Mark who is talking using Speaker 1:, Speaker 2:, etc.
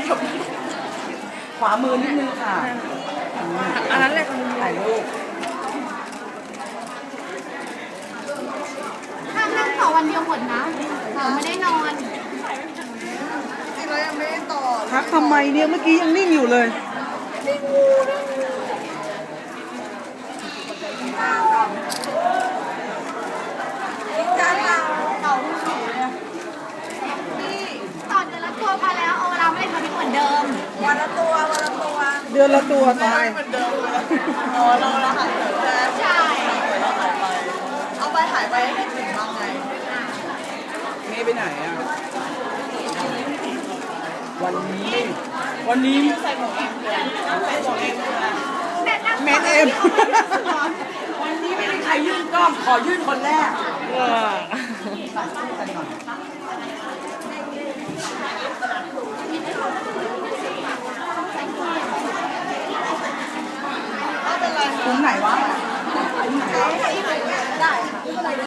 Speaker 1: ขวามือนิดนึงค่ะ
Speaker 2: อันนั้นแหละ
Speaker 1: ถ่ายรูป
Speaker 3: ห้ามนั่งต่อวันเดียวหมดนะเราไม่ได้นอน
Speaker 2: จริงแล้วยังไม่ได้ต่อ
Speaker 1: ทักทำไมเนี่ยเมื่อกี้ยังนิ่งอยู่เลย
Speaker 3: ต่อเดือนละตัวพอแล้วเอาเวลาไม่ได้ทำให้เหมือนเดิม
Speaker 2: วันละตัว
Speaker 1: เดือนละตัวตาย
Speaker 2: เหมือนเดิมเลยอ๋อเราหายไปแล้ว
Speaker 3: ใช่
Speaker 2: เราหายไปเอาไปหายไปให้ถึงบ้างไง
Speaker 1: เมย์ไปไหนอ่ะวันนี้
Speaker 2: ใส่หมวกเอ็มเลยใส่หมวกเอ็มเลย
Speaker 1: เมนเอ็มวันนี้ไม่มีใครยื่นกล้องขอยื่นคนแรกคุณไหนวะ